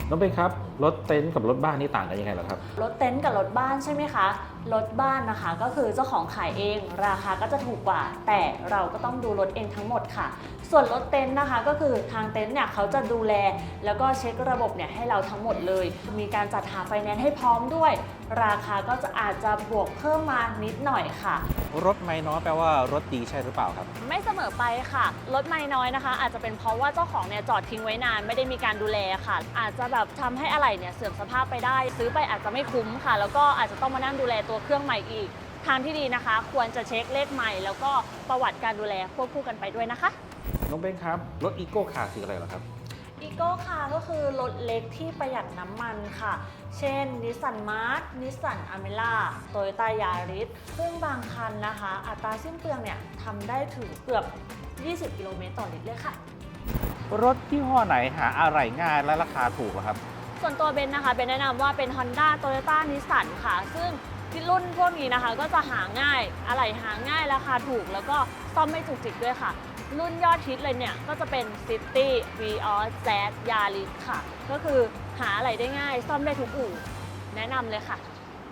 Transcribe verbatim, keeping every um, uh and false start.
น้องเบนครับรถเต็นท์กับรถบ้านนี่ต่างกันยังไงเหรอครับรถเต็นท์กับรถบ้านใช่ไหมคะรถบ้านนะคะก็คือเจ้าของขายเองราคาก็จะถูกกว่าแต่เราก็ต้องดูรถเองทั้งหมดค่ะส่วนรถเต็นท์นะคะก็คือทางเต็นท์เนี่ยเขาจะดูแลแล้วก็เช็คระบบเนี่ยให้เราทั้งหมดเลยมีการจัดหาไฟแนนซ์ให้พร้อมด้วยราคาก็จะอาจจะบวกเพิ่มมานิดหน่อยค่ะรถไม่น้อยแปลว่ารถดีใช่หรือเปล่าครับไม่เสมอไปค่ะรถไม่น้อยนะคะอาจจะเป็นเพราะว่าเจ้าของเนี่ยจอดทิ้งไว้นานไม่ได้มีการดูแลค่ะอาจจะแบบทำให้อะไหล่เนี่ยเสื่อมสภาพไปได้ซื้อไปอาจจะไม่คุ้มค่ะแล้วก็อาจจะต้องมานั่งดูแลตัวเครื่องใหม่อีกทางที่ดีนะคะควรจะเช็คเลขใหม่แล้วก็ประวัติการดูแลควบคู่กันไปด้วยนะคะน้องเบนครับรถอีโก้คาร์คืออะไรเหรอครับอีโก้คาร์ก็คือรถเล็กที่ประหยัดน้ำมันค่ะเช่นนิสสันมาร์ นิสสันอเมร่าโตโยต้ายาริสซึ่งบางคันนะคะอัตราสิ้นเปลืองเนี่ยทำได้ถึงเกือบยี่สิบกิโลเมตรต่อลิตรเลยค่ะรถที่ห้อไหนหาอะไรง่ายและราคาถูกครับส่วนตัวเบนนะคะเบนแนะนำว่าเป็น Honda Toyota Nissan ค่ะ ซึ่งรุ่นพวกนี้นะคะก็จะหาง่ายอะไหล่หาง่ายราคาถูกแล้วก็ซ่อมไม่จุกจิกด้วยค่ะ รุ่นยอดฮิตเลยเนี่ยก็จะเป็น City Vios Z Yaris ค่ะ ก็คือหาอะไรได้ง่ายซ่อมได้ทุกอู่แนะนำเลยค่ะ